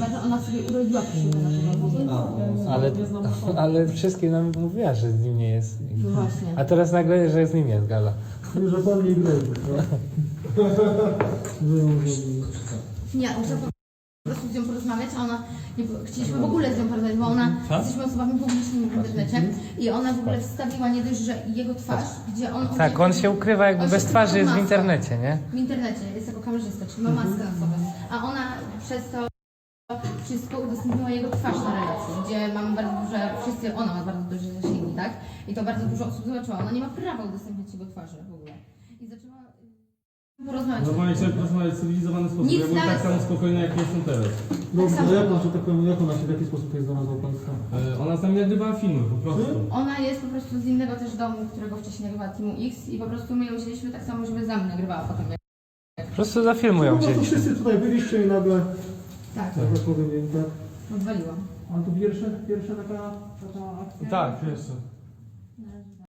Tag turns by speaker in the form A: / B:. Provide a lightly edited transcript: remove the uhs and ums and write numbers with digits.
A: chyba, że ona sobie urodziła koszulkę naszego.
B: Ale wszystkie nam mówiła, że z nim nie jest.
A: No właśnie.
B: A teraz nagle, że z nim jest gala.
C: Że pan nie grozi,
A: Nie, muszę po prostu z nią porozmawiać, a ona, nie, chcieliśmy w ogóle z nią porozmawiać, bo ona, jesteśmy osobami publicznymi w internecie i ona w ogóle wstawiła nie dość, że jego twarz, gdzie on...
B: Tak, on się ukrywa jakby bez twarzy, jest w internecie, nie?
A: W internecie, jest jako kamerzysta, czyli ma maskę na sobie, a ona przez to wszystko udostępniła jego twarz na relacji, gdzie mamy bardzo duże, ona ma bardzo duże zasięgi, tak? I to bardzo dużo osób zobaczyła, ona nie ma prawa udostępniać jego twarzy w ogóle. I zaczęła porozmawiać.
C: Normalnie trzeba porozmawiać w cywilizowany sposób.
A: Nic
C: Ja byłem tak samo spokojny, jak jestem teraz.
A: Dobrze,
C: No jak ona się tak powiem, jak ona się w jaki sposób jest znalazła Państwa? Ona z nami nagrywała filmy po prostu.
A: Ona jest po prostu z innego też domu, którego wcześniej nagrywała Teamu X i po prostu my ją wzięliśmy tak samo, żeby za mnie nagrywała potem.
B: Po prostu za filmu ją
C: No to
B: wzięliśmy.
C: wszyscy tutaj byliście i nagle,
A: Tak,
C: tak powiem, tak?
A: odwaliłam.
C: A to pierwsza taka akcja?
B: Tak, pierwsze.